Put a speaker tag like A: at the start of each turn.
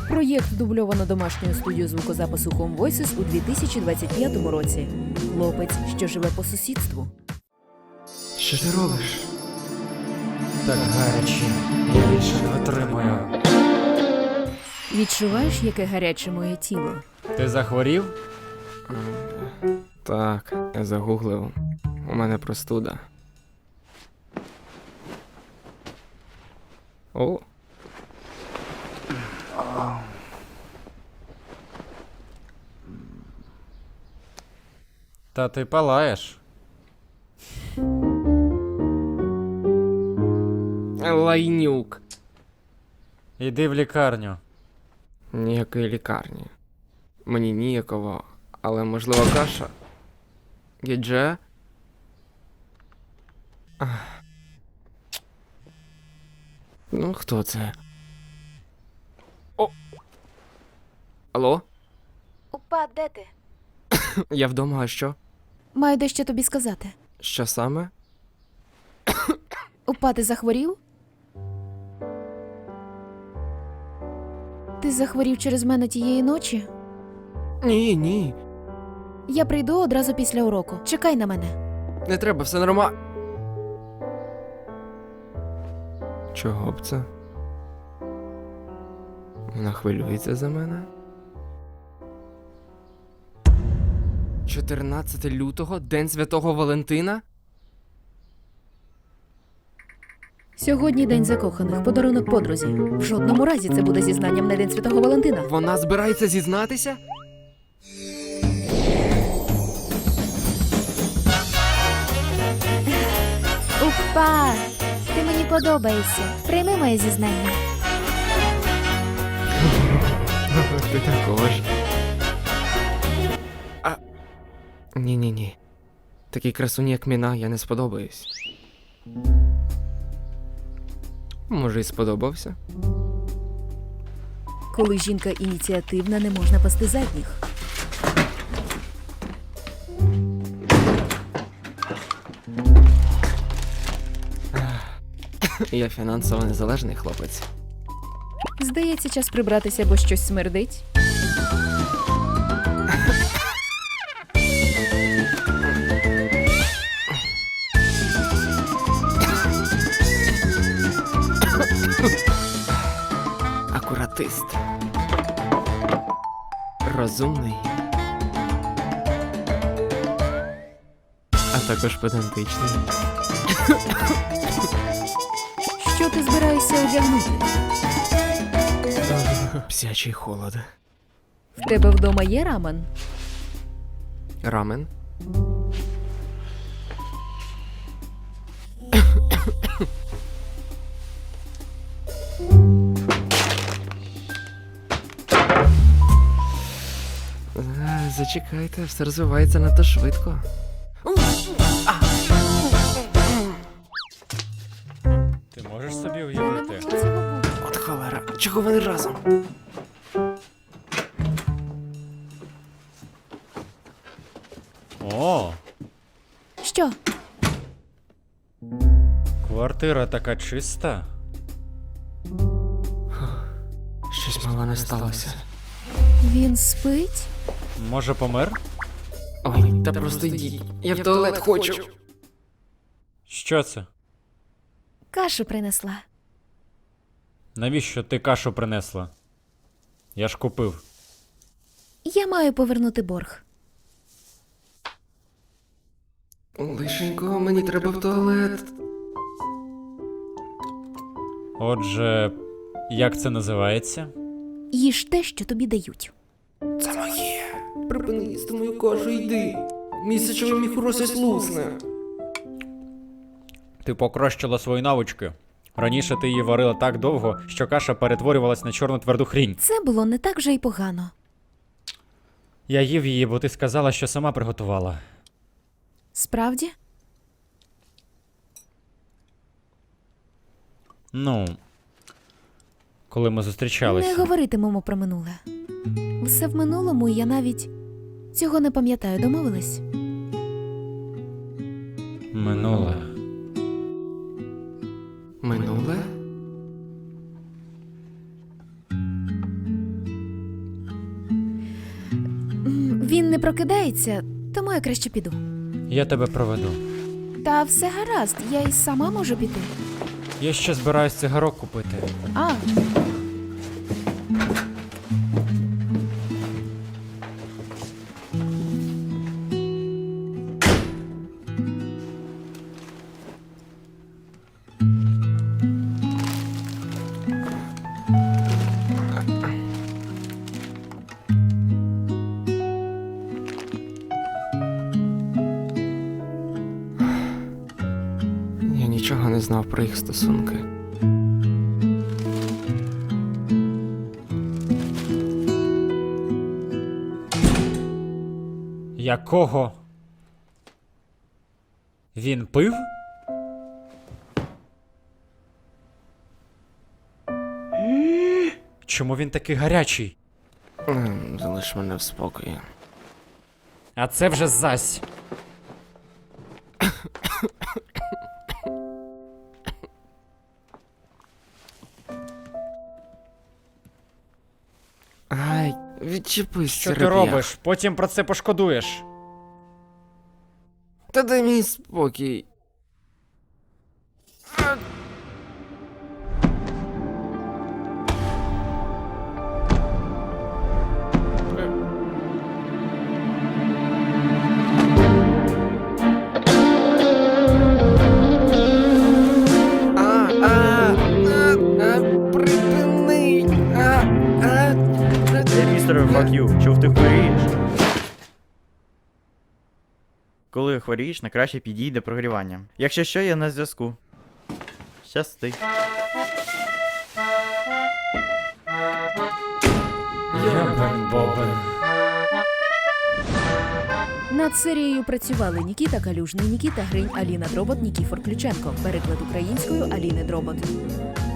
A: Проєкт дубльовано домашньою студією звукозапису Home Voices у 2025 році. Хлопець, що живе по сусідству.
B: Що ти робиш? Так гаряче. Я більше не витримую.
A: Відчуваєш, яке гаряче моє тіло?
C: Ти захворів?
B: Так, я загуглив. У мене простуда. О.
C: Та ти палаєш.
B: Лайнюк.
C: Іди в лікарню.
B: Ніякої лікарні. Мені ніяково, але можливо каша. Гідже? Ну, хто це? О! Алло?
A: Опа, де ти?
B: Я вдома, а що?
A: Маю дещо тобі сказати.
B: Що саме?
A: Опа, ти захворів? Ти захворів через мене тієї ночі?
B: Ні, ні.
A: Я прийду одразу після уроку. Чекай на мене.
B: Не треба, все нормально. Чого б це? Вона хвилюється за мене? 14 лютого, День Святого Валентина?
A: Сьогодні день закоханих, подарунок подрузі. В жодному разі це буде зізнанням на День Святого Валентина.
B: Вона збирається зізнатися?
D: Упа! Ти мені подобаєшся. Прийми моє зізнання.
B: Ти також. Ні-ні-ні. Такій красуні, як Міна, я не сподобаюсь. Може, і сподобався?
A: Коли жінка ініціативна, не можна пасти задніх.
B: Я фінансово незалежний хлопець.
A: Здається, час прибратися, бо щось смердить.
B: Акуратист. Розумний. А також педантичний.
A: Що ти збираєшся одягнути?
B: Псячий холод.
A: В тебе вдома є рамен?
B: Рамен. Зачекайте, все розвивається надто швидко.
C: Ти можеш собі уявити?
B: От холера, чого вони разом?
C: О,
A: Що?
C: квартира така чиста.
B: Щось мало не сталося.
A: Він спить?
C: Може, помер?
B: Ой, та просто йдіть. Я в туалет хочу.
C: Що це?
D: Кашу принесла.
C: Навіщо ти кашу принесла? Я ж купив.
A: Я маю повернути борг.
B: Лишенько, мені треба в туалет.
C: Отже, як це називається?
A: Їж те, що тобі дають.
B: Це моє. Припини їсти мою кашу, йди. Місячевий мій хороший лусне.
C: Ти покращила свої навички. Раніше ти її варила так довго, що каша перетворювалась на чорну тверду хрінь.
A: Це було не так вже й погано.
C: Я їв її, бо ти сказала, що сама приготувала.
A: Справді?
C: Ну, коли ми зустрічалися.
A: Не говоритимемо про минуле. Все в минулому, і я навіть цього не пам'ятаю, домовились?
C: Минуле.
B: Минуле?
A: Він не прокидається, тому я краще піду.
C: Я тебе проведу.
A: Та все гаразд, я й сама можу піти.
C: Я ще збираюсь цигарок купити.
A: А,
B: Я нічого не знав про їх стосунки.
C: Якого? Він пив? Чому він такий гарячий?
B: Залиш мене в спокої.
C: А це вже зась.
B: Ай, відчепись,
C: Що ти
B: череп'ях.
C: робиш? Потім про це пошкодуєш.
B: Та дай мені спокій. Припини!
E: Містер fuck you, чув ти хворієш? Коли хворієш, найкраще підійди до прогрівання. Якщо що, я на зв'язку. Щасти.
C: Ябен бобен.
A: над серією працювали Нікіта Калюжний, Нікіта Гринь, Аліна Дробот, Нікіфор Ключенко. Переклад українською Аліни Дробот.